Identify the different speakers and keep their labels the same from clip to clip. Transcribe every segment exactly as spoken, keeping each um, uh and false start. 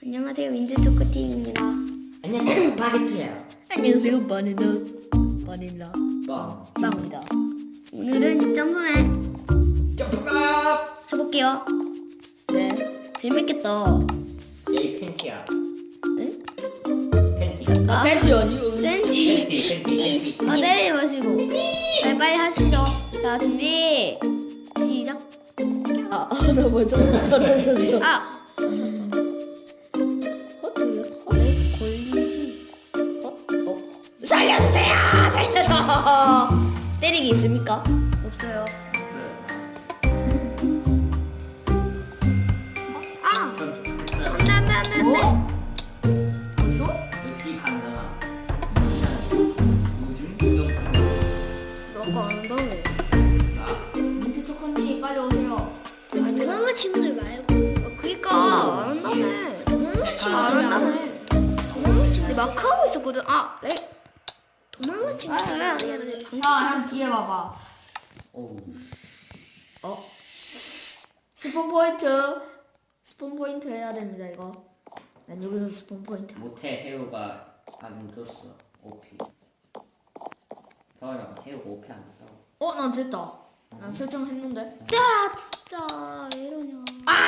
Speaker 1: 안녕하세요, 민트초코팀입니다.
Speaker 2: 안녕하세요, 바게트예요.
Speaker 3: 안녕하세요, 바닐라 바닐라
Speaker 2: 빵.
Speaker 3: 빵입니다.
Speaker 1: 오늘은 점프맨
Speaker 2: 점프업.
Speaker 1: 해볼게요.
Speaker 3: 네.
Speaker 1: 재밌겠다.
Speaker 2: 에이 팬티야.
Speaker 1: 응?
Speaker 2: 팬티.
Speaker 1: 아,
Speaker 3: 팬티 아니요.
Speaker 1: 팬티.
Speaker 2: 팬티, 팬티, 팬티.
Speaker 1: 아, 때리지 마시고. 빨리 빨리 하시죠. 자, 준비. 시작.
Speaker 3: 아, 아, 나 먼저 떨어졌어.
Speaker 1: 아,
Speaker 3: 허트요?
Speaker 1: 왜 걸리지?
Speaker 3: 어? 어? 살려주세요! 살려줘! 때리기 있습니까?
Speaker 1: 없어요. 아, 안돼 안돼 안돼.
Speaker 3: 어? 벌써?
Speaker 2: 역시 간다. 요즘 구경.
Speaker 1: 너가 안 한다며.
Speaker 2: 나.
Speaker 3: 민트 초코님 빨리 오세요.
Speaker 1: 아직 한가 친구들 말고. 어, 그니까 안 한다며. 도망가지 안 한다며. 도망가지. 근데 마크 하고 있었거든. 아, 네. 도망가지 말아야 돼. 방금
Speaker 3: 아, 형 뒤에 봐봐.
Speaker 2: 오.
Speaker 3: 어? 스폰 포인트. 스폰 포인트 해야 됩니다, 이거. 난 여기서 스폰 포인트.
Speaker 2: 모태 해우가 안 줬어. 오피. 서원아 해우가 오피 안 줬다고.
Speaker 3: 어, 난 됐다. 난 설정했는데.
Speaker 1: 야, 진짜 왜 이러냐.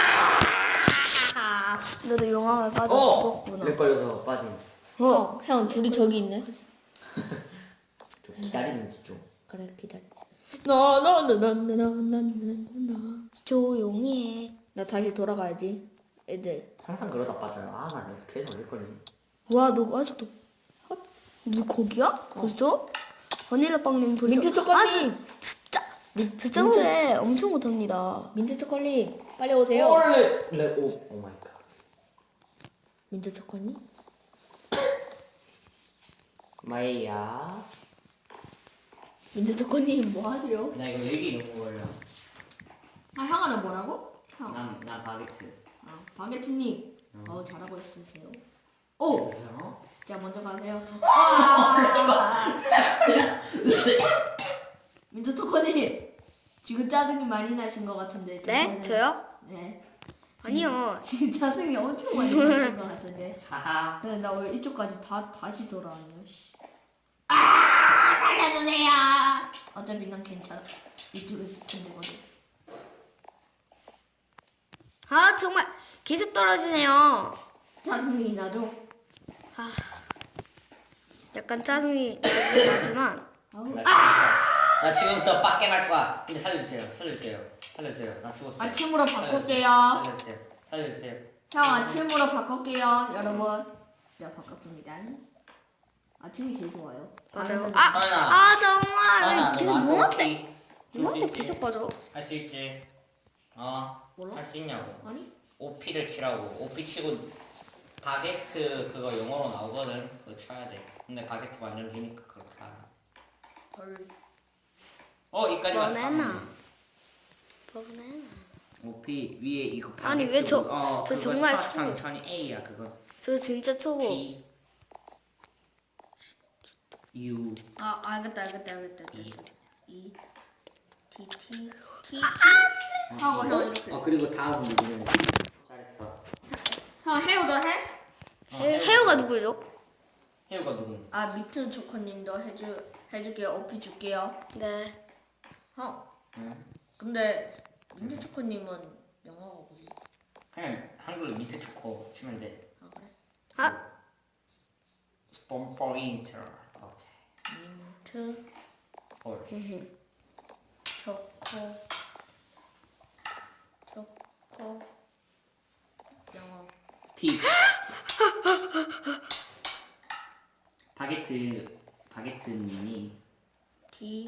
Speaker 1: 아, 너도 용암에 빠져
Speaker 2: 어.
Speaker 1: 죽었구나.
Speaker 2: 렉 걸려서 빠진.
Speaker 3: 어, 형 둘이 저기 있네.
Speaker 2: 좀 기다리는지 좀.
Speaker 3: 그래, 기다려. 나나나나나나나나.
Speaker 1: 조용히 해.
Speaker 3: 나 다시 돌아가야지. 애들.
Speaker 2: 항상 그러다 빠져요. 아, 나 계속 렉 걸리네.
Speaker 1: 와, 너 아직도 헛? 너 거기야? 벌써? 바닐라 빵님 벌써?
Speaker 3: 민트 초코님!
Speaker 1: 아, 진- 진짜 저 친구들 엄청 못합니다.
Speaker 3: 민트 초콜릿 빨리 오세요.
Speaker 2: 렉. 렉. 오. 오 마이 갓.
Speaker 3: 민트 초콜릿?
Speaker 2: 마이야.
Speaker 3: 민트 초콜릿 뭐 하세요?
Speaker 2: 나 이거 여기 너무 걸려.
Speaker 3: 아, 형아는 뭐라고? 형.
Speaker 2: 난, 난 바게트.
Speaker 3: 아, 바게트님. 어, 잘하고 있으세요.
Speaker 2: 오!
Speaker 3: 오! 자, 먼저 가세요. 와! 민트 초콜릿. 지금 짜증이 많이 나신 것 같은데.
Speaker 1: 네?
Speaker 3: 괜찮아요?
Speaker 1: 저요?
Speaker 3: 네.
Speaker 1: 아니요.
Speaker 3: 지금 짜증이 엄청 많이 나신 것 같은데.
Speaker 2: 하하.
Speaker 3: 근데 나 왜 이쪽까지 다 다시 돌아왔냐? 씨. 아, 살려주세요. 어차피 난 괜찮아. 이쪽에 스폰 되거든.
Speaker 1: 아, 정말 계속 떨어지네요.
Speaker 3: 짜증이 나죠?
Speaker 1: 아, 약간 짜증이 나지만
Speaker 3: 아우.
Speaker 2: 나 지금부터, 나 지금부터 빡게 갈 거야. 근데 살려주세요. 살려주세요. 살려주세요. 나 죽었어.
Speaker 3: 아침으로 바꿀게요.
Speaker 2: 살려주세요. 살려주세요.
Speaker 3: 형 아침으로 바꿀게요, 여러분. 자, 바꿨습니다. 아침이 제일 좋아요.
Speaker 1: 맞아요.
Speaker 3: 다른
Speaker 1: 아,
Speaker 2: 하나.
Speaker 1: 아 정말
Speaker 2: 하나,
Speaker 1: 왜 계속
Speaker 2: 너
Speaker 1: 뭐한테
Speaker 2: 나한테
Speaker 1: 뭐한테 계속 빠져?
Speaker 2: 할수 있지. 어.
Speaker 3: 몰라?
Speaker 2: 할 수 있냐고.
Speaker 3: 아니?
Speaker 2: 오피를 치라고. 오피 치고 바게트 그거 영어로 나오거든. 그거 쳐야 돼. 근데 바게트 완전 기니까 그렇게 알아.
Speaker 3: 헐.
Speaker 2: 어, 이까지만.
Speaker 1: 버나나. 버나나.
Speaker 2: 오피 위에 이거 바게트.
Speaker 1: 아니, 왜 저-
Speaker 2: 어,
Speaker 1: 저
Speaker 2: 그거
Speaker 1: 정말
Speaker 2: 차-
Speaker 1: 처음-
Speaker 2: 천천히 A야 그거.
Speaker 1: 저 진짜 초보.
Speaker 2: T U
Speaker 3: 아, 알겠다, 알겠다, 알겠다.
Speaker 2: E.
Speaker 3: 이 T T T
Speaker 1: 아,
Speaker 3: T. 하고 형 이렇게.
Speaker 2: 어 그리고 다음 누르면 돼. 잘했어.
Speaker 3: 형 해오도 해?
Speaker 2: 어,
Speaker 1: 해, 해우가 누구죠?
Speaker 2: 해우가 누구?
Speaker 3: 아, 민트 초코님도 해줄 해줄게요. 오피 줄게요.
Speaker 1: 네.
Speaker 3: 형.
Speaker 2: 응.
Speaker 3: 근데 민트 초코님은 영어가 뭐지?
Speaker 2: 그냥 한글로 밑에 초코 치면 돼.
Speaker 3: 아 그래?
Speaker 1: 아,
Speaker 2: 스폰 포인터. 오케이.
Speaker 3: 민트
Speaker 2: 볼.
Speaker 3: 초코 초코 영어.
Speaker 2: T. 바게트 바게트님이
Speaker 3: T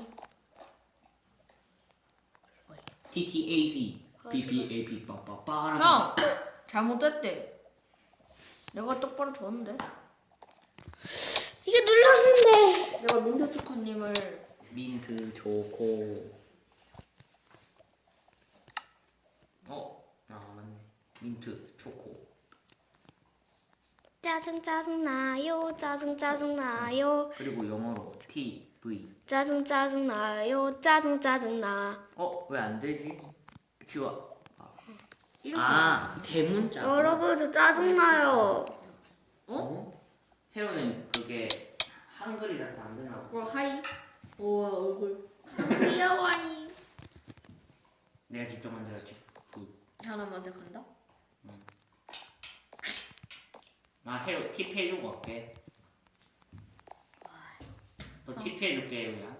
Speaker 2: T T A B B B A B 빠빠빠라.
Speaker 3: 형 잘못됐대. 내가 똑바로 줬는데.
Speaker 1: 이게 눌렀는데.
Speaker 3: 내가 민트 초코님을
Speaker 2: 민트 초코. 어, 아 맞네. 민트 초코.
Speaker 1: 짜증 짜증 나요. 짜증 짜증 나요.
Speaker 2: 그리고 영어로 T V.
Speaker 1: 짜증 짜증 나요. 짜증 짜증 나.
Speaker 2: 어, 왜 안 되지? 지워. 아,
Speaker 3: 이렇게.
Speaker 2: 아 대문자.
Speaker 1: 여러분 저 짜증나요.
Speaker 2: 어? 혜우는 그게 한글이라서 안 되나 봐.
Speaker 3: 어 하이. 오 얼굴. 귀여워이.
Speaker 2: 내가 직접 만들었지. 굿.
Speaker 3: 하나 먼저 간다.
Speaker 2: 나 혜우 팁 해주고 갈게. 또 팁 해줄게 혜우야.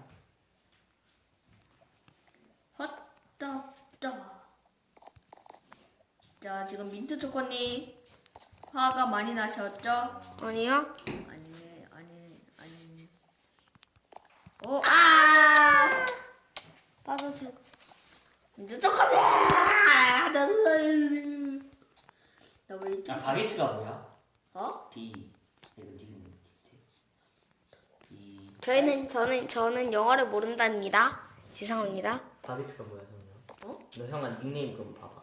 Speaker 3: 헛떡떡. 자 지금 민트 초코님 화가 많이 나셨죠?
Speaker 1: 아니요?
Speaker 3: 아니 아니 아니. 오 아.
Speaker 1: 빠져서.
Speaker 3: 민트 초코님. 아, 나왜
Speaker 2: 아 바게트가 뭐야?
Speaker 3: 어?
Speaker 2: B. 이거 지금 B.
Speaker 1: 저희는 저는 저는 영어를 모른답니다. 죄송합니다.
Speaker 2: 바게트가 뭐야 형아?
Speaker 3: 어?
Speaker 2: 너 형아 닉네임 좀 봐봐.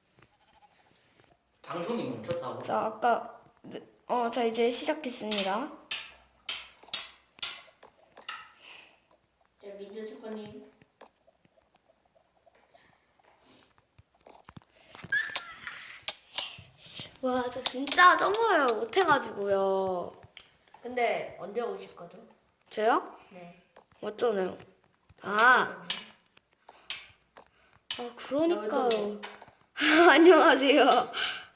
Speaker 2: 방송이 멈췄다고?
Speaker 1: 자 아까 어 저 이제 시작했습니다.
Speaker 3: 자 민트 초코님.
Speaker 1: 와 저 진짜 점프를 못해가지고요.
Speaker 3: 근데 언제 오실 거죠?
Speaker 1: 저요?
Speaker 3: 네.
Speaker 1: 맞잖아요. 아, 아 그러니까요. 안녕하세요.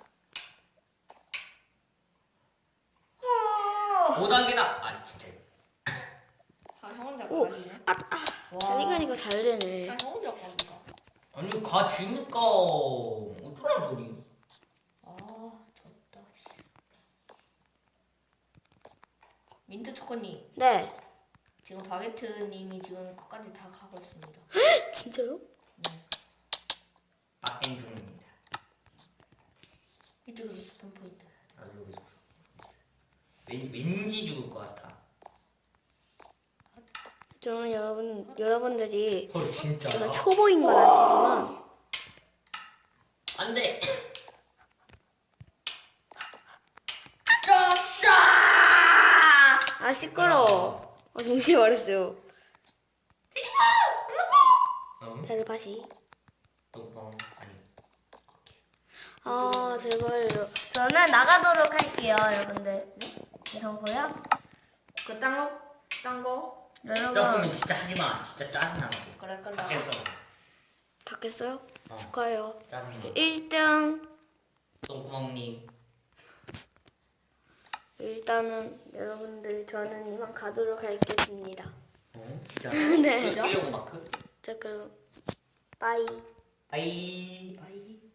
Speaker 2: 오 단계다. 아 진짜.
Speaker 3: 아형 혼자
Speaker 1: 오,
Speaker 3: 가리네.
Speaker 1: 아, 아, 잘 가니까 잘 되네.
Speaker 3: 아형 혼자 가니까.
Speaker 2: 아니 가 지니까 어쩌란 소리.
Speaker 3: 아 졌다. 씨. 민트 초코님
Speaker 1: 네,
Speaker 3: 지금 바게트님이 지금 끝까지 다 가고 있습니다.
Speaker 1: 진짜요?
Speaker 2: 빡행 중입니다.
Speaker 3: 이쪽에서 스폰 포인트.
Speaker 2: 나도 여기서. 왠, 왠지 죽을 것 같아.
Speaker 1: 저는 여러분 여러분들이
Speaker 2: 헐 진짜.
Speaker 1: 제가 초보인 건 아시지만
Speaker 2: 안돼.
Speaker 1: 아 시끄러워. 아 동시에 말했어요.
Speaker 2: 어?
Speaker 1: 다르바시.
Speaker 2: 똥뻥 아니.
Speaker 1: 아 제발요. 저는 나가도록 할게요, 여러분들. 죄송고요.
Speaker 3: 그딴 거? 딴 거?
Speaker 2: 조금은
Speaker 1: 여러분
Speaker 2: 진짜 하지 마. 진짜 짜증나.
Speaker 3: 그래 끝나.
Speaker 2: 밖에서
Speaker 1: 다 깼어요?
Speaker 2: 어.
Speaker 1: 축하해요.
Speaker 2: 짜증나.
Speaker 1: 일 등
Speaker 2: 똥구멍님.
Speaker 1: 일단은 여러분들 저는 이만 가도록 하겠습니다.
Speaker 2: 어? 진짜.
Speaker 1: 네.
Speaker 2: 끌려고 마크.
Speaker 1: 자 그럼 빠이.
Speaker 2: 바이.
Speaker 3: 바이.